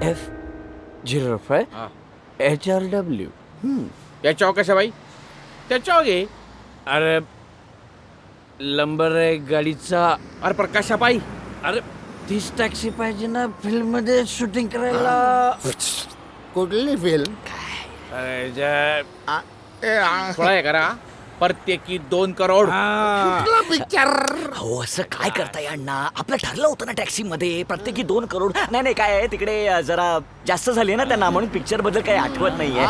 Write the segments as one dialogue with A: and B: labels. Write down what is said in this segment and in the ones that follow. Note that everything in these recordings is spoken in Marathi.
A: F05
B: हा.
A: HRW.
B: त्याच्यावर कशा बाई त्याच्यावर घे.
A: अरे नंबर आहे गाडीचा.
B: अरे पण कशा बाई
A: अरे तीच टॅक्सी पाहिजे ना फिल्म मध्ये शूटिंग करायला.
C: कुठली फिल्म?
A: अरे
B: थोडा हे करा प्रत्येकी 2 करोड.
C: पिक्चर.
D: हो असं काय करताय अण्णा? आपलं ठरलं होतं ना टॅक्सीमध्ये प्रत्येकी 2 करोड. नाही नाही काय आहे तिकडे जरा जास्त झाली ना त्यांना म्हणून पिक्चर बद्दल काही आठवत नाहीये.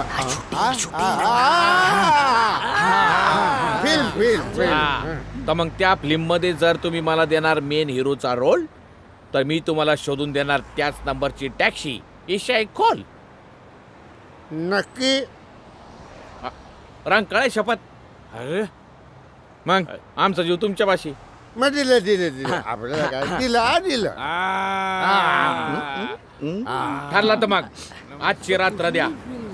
C: फिल्म फिल्म
B: हा. तर मग त्या फिल्म मध्ये जर तुम्ही मला देणार मेन हिरोचा रोल तर मी तुम्हाला शोधून देणार त्याच नंबरची टॅक्सी. ईशा एक खोल
C: नक्की.
B: रंग कळे शपथ.
A: अरे
B: मग आमचा जीव तुमच्या पाशी.
C: मग दिलं आपल्याला काय दिलं.
B: ठरला तर मग आजची रात्र द्या.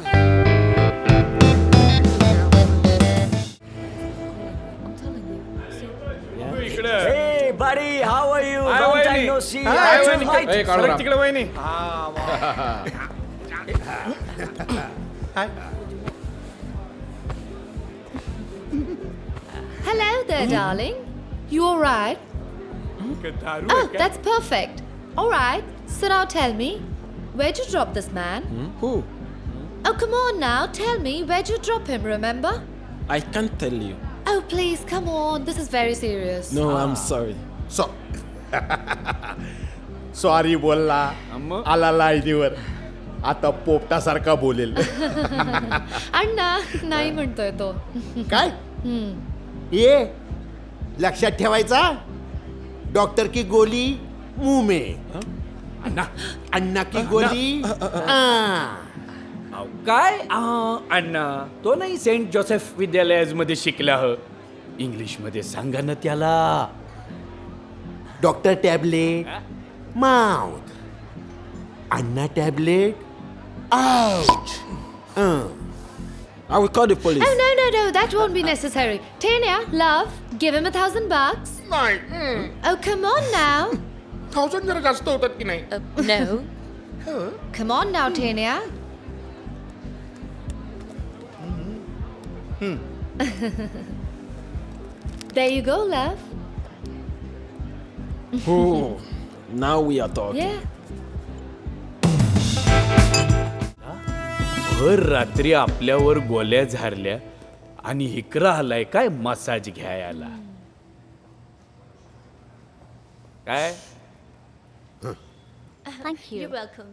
D: Hey buddy, how are you?
B: Hi,
D: Long time
B: वहिनी.
D: no see.
B: Hi,
D: That's
B: वहिनी.
D: right.
B: ए, काढू राम.
A: तिकडे वहिनी.
E: Hello there, darling. You all right? Oh, that's perfect. All right. So now tell me, where'd you drop this man?
F: Who?
E: Oh, come on now. Tell me, where'd you drop him, remember?
F: I can't tell you.
E: Oh, please, come on. This is very serious.
F: No, I'm sorry.
C: Sorry बोलला. आला लाईनीवर. आता पोपटासारखा बोलेल.
E: अण्णा नाही म्हणतोय तो.
C: काय? ये लक्षात ठेवायचा. डॉक्टर की गोली मुंह में. अन्ना की गोली.
A: काय अण्णा तो नाही सेंट जोसेफ विद्यालयामध्ये शिकला ह. इंग्लिश मध्ये सांगा ना त्याला.
C: Doctor tablet mouth. अन्ना tablet ouch.
F: I will call the police.
E: Oh, no. That won't be necessary. Tanya, love, give him $1,000. Oh, come on now.
C: 1000 जरा जास्त होतात की नाही?
E: No. Come on now, Tanya. There you go, love.
F: Oh, now we are talking.
E: Yeah.
A: भर रात्री आपल्यावर गोल्या झारल्या आणि हिकरा आलाय काय मसाज घ्यायला. काय
E: Thank you. You're welcome.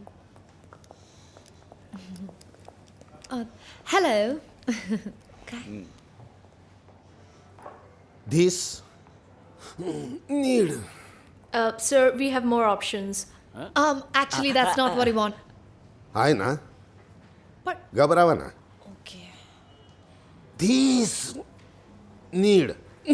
E: Hello.
C: This need.
G: Sir, we have more options.
E: Actually, that's not what we want.
C: आहे ना.
G: But
C: घबरावा ना.
G: okay.
C: This need.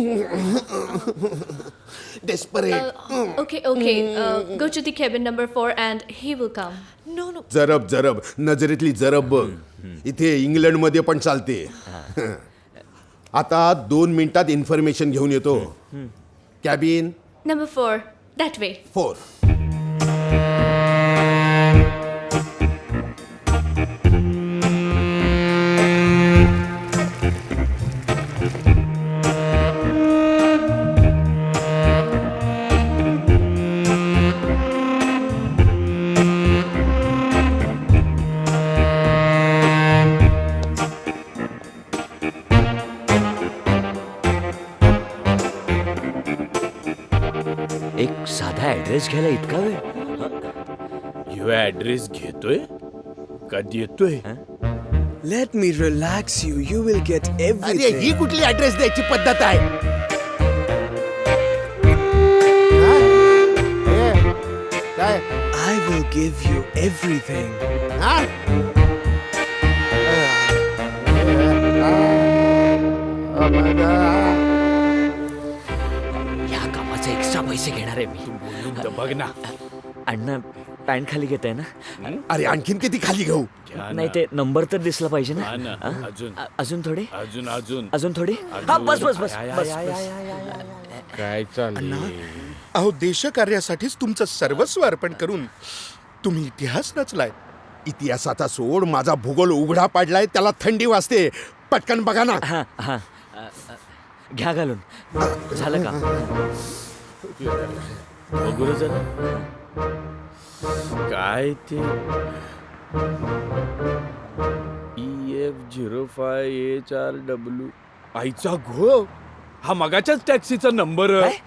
C: Desperate.
G: Okay. Go to the cabin number 4 and he will come.
E: No.
C: जरब नजरेतली जरब बघ. इथे इंग्लंड मध्ये पण चालते. आता 2 मिनिटात इन्फॉर्मेशन घेऊन येतो. Cabin
G: Number 4, that way.
C: 4.
D: एक साधा ऍड्रेस घ्यायला इतका वेळ?
A: ह्यो ऍड्रेस घेतोय का देतोय?
F: Let me relax you. You will get
C: अरे
F: everything.
C: ही कुठली ऍड्रेस द्यायची पद्धत आहे? काय?
F: I will give you everything.
C: हा?
D: या कामाचे एक्स्ट्रा पैसे घेणार आहे मी.
A: बोलून तर बघ ना.
D: अण्णा पॅन्ट खाली घेत आहे ना?
C: अरे आणखीन किती खाली घेऊ?
A: घ्या ना.
D: नाही ते नंबर तर दिसला पाहिजे ना.
A: हा ना.
D: हा?
A: अजून
D: अजून थोडे
A: अजून
D: थोडे. हा बस बस बस बस बस.
B: काय चाललंय?
H: अहो देशकार्यासाठीच तुमचं सर्वस्व अर्पण करून तुम्ही इतिहास रचलाय.
C: इतिहासाचा सोड, माझा भूगोल उघडा पाडलाय, त्याला थंडी वाजते. पटकन बघा ना.
D: हा हा घ्या घालून. झालं का?
A: बघू रे जरा. काय ते EF05HR W आईचा घो, हा मगाच्याच टॅक्सीचा नंबर.
D: काय?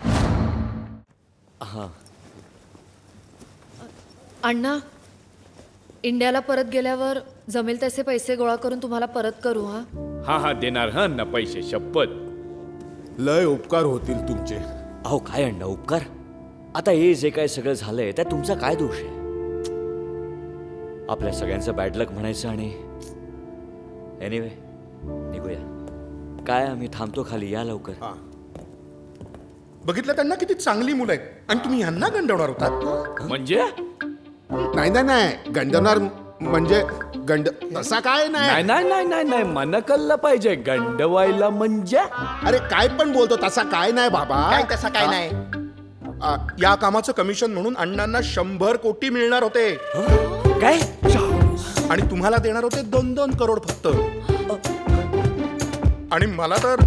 E: अण्णा, इंडियाला परत गेल्यावर जमेल तसे पैसे गोळा करून तुम्हाला परत करू हा.
A: हा देणार हा ना पैसे, शपथ.
C: लय उपकार होतील तुमचे.
D: अहो काय अण्णा उपकार. आता हे जे काय सगळं झालंय त्यात तुमचा काय दोष आहे? आपल्या सगळ्यांचं बॅड लक म्हणायचं आणि एनिवे निघूया. काय आम्ही थांबतो खाली, या लवकर.
H: बघितलं त्यांना किती चांगली मुलं आहेत आणि तुम्ही ह्यांना गंडवणार होतात.
A: म्हणजे
C: नाही नाही नाही, गंडवणार म्हणजे तसा काय
A: नाही
C: नाही.
A: नाही नाही नाही नाही, मन कळलं पाहिजे. गंडवायला म्हणजे
C: अरे काय पण बोलतो, तसा काय नाही बाबा.
H: काय तसा काय नाही. या कामाचं कमिशन म्हणून अण्णांना 100 कोटी मिळणार होते
D: काय?
H: आणि तुम्हाला देणार होते 2-2 करोड फक्त. आणि मला तर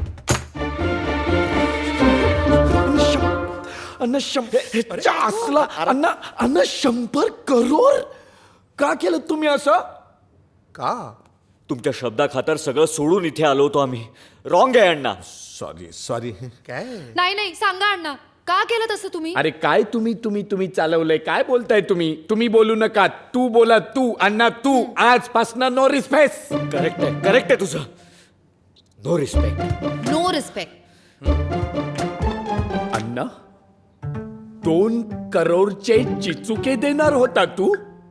A: अन्न असला अन्न अन्न 100 करोड का केलं तुम्ही असं?
H: का?
D: तुमच्या शब्दाखातर सगळं सोडून इथे आलो होतो आम्ही. रॉंग आहे अण्णा.
C: सॉरी.
H: काय?
E: नाही सांगा अण्णा, का केलं तसं तुम्ही?
A: अरे काय तुम्ही चालवलंय? काय बोलताय तुम्ही बोलू नका. तू बोला, तू अण्णा तू. आजपासनं नो रिस्पेक्ट.
D: करेक्ट आहे तुझं. No respect.
E: No respect.
A: अण्णा 2 करोडचे चिचुके देणार होता तू?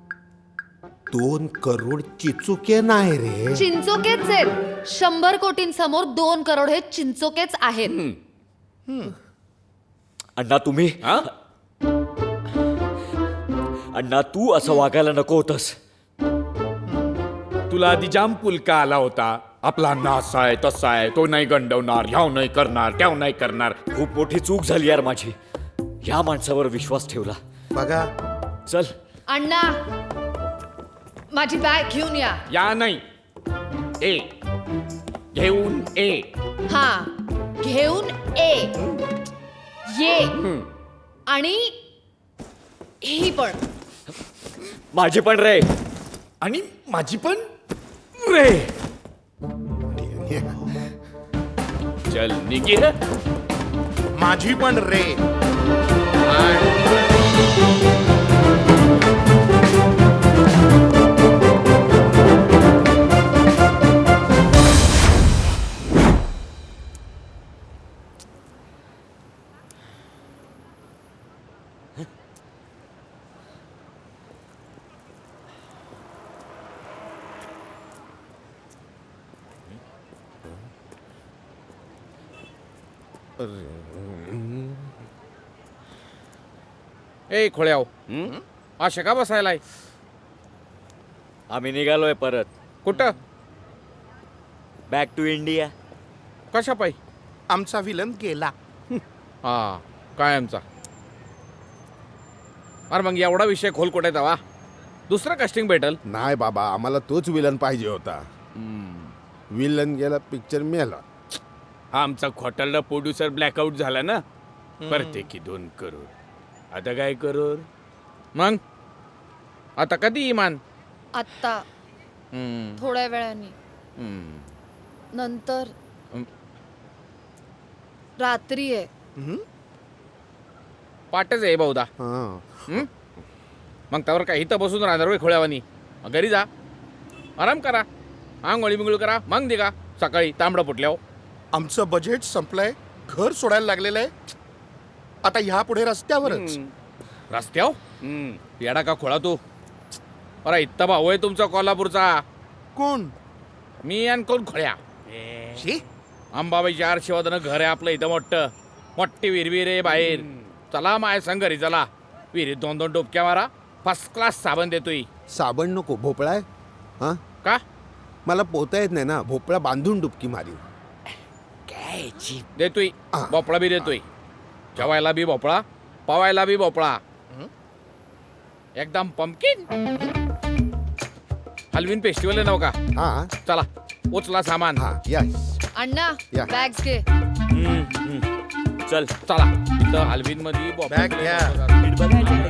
C: 2 करोड चिचुके नाही रे.
E: चिंचोकेच आहेत. 100 कोटींसमोर 2 करोड हे चिंचोकेच आहेत.
D: अण्णा तुम्ही
A: हा?
D: अण्णा तू असं वागायला नको होतंस.
A: तुला आधी जाम पुलका आला होता. आपला नास आहे, तसा आहे, तो नाही गंडवणार, ह्याव नाही करणार, त्याव नाही करणार.
D: खूप मोठी चूक झाली यार माझी. या माणसावर विश्वास ठेवला.
H: बघा
D: चल
E: अण्णा, माझी बॅग घेऊन या.
A: या नाही, ए घेऊन ए.
E: हा, घेऊन ये. आणि ही पण.
D: माझी पण रे.
A: आणि माझी पण रे. चल निघे.
H: माझी पण रे.
B: ए खोळ्याव, अशा का बसायलाय?
D: आम्ही निघालोय परत.
B: कुठं?
D: Back to India.
B: कशा पायी?
H: आमचा विलन गेला.
B: हा काय आमचा? अरे मग एवढा विषय खोल कुठे वा? दुसरं कास्टिंग भेटल.
C: नाही बाबा, आम्हाला तोच विलन पाहिजे होता. विलन गेला, पिक्चर मेला.
A: हा आमचा खोटारडा प्रोड्युसर ब्लॅकआउट झाला ना. प्रत्येकी 2 करोड. आता काय करोड?
B: मग आता कधी इमान?
E: आत्ता थोड्या वेळाने. नंतर रात्री आहे.
B: पाटच आहे बहुधा.
C: हा.
B: मग त्यावर काय इथं बसून राहणार होय खोळ्यावानी? घरी जा, आराम करा, आंघोळी बिंगोळी करा, मग दिगा सकाळी तांबडं फुटल्यावर.
H: आमचं बजेट संपलंय, घर सोडायला लागलेलं आहे. आता ह्या पुढे रस्त्यावरच.
B: रस्त्यावर? येडा का खोळा तू? अरे इत्ता भाऊ आहे तुमचा कोल्हापूरचा.
H: कोण?
B: मी आणि कोण खोळ्या?
H: शी?
B: अंबाबाईच्या आरशिवादानं घर आहे आपलं इथं मोठं. मोठी विहीर आहे बाहेर. चला माय संग घरी चला. विहिरीत 2-2 डोबक्या मारा. फर्स्ट क्लास साबण देतोय.
C: साबण नको, भोपळा आहे. हा,
B: का?
C: मला पोहता येत नाही ना. भोपळा बांधून डुबकी मारी.
D: काय
B: देतोय. भोपळा बी देतोय. जेवायला बी भोपळा, पवायला बी भोपळा. एकदम पंपकिन. हलवीन फेस्टिवल आहे नव का?
C: हा
B: चला उचला सामान.
C: हा यस
E: अण्णा
C: या.
E: बॅग्स घे.
D: चल
B: चला इथं हलवीन मध्ये
H: बॅग घ्या.
D: नीट बघायचं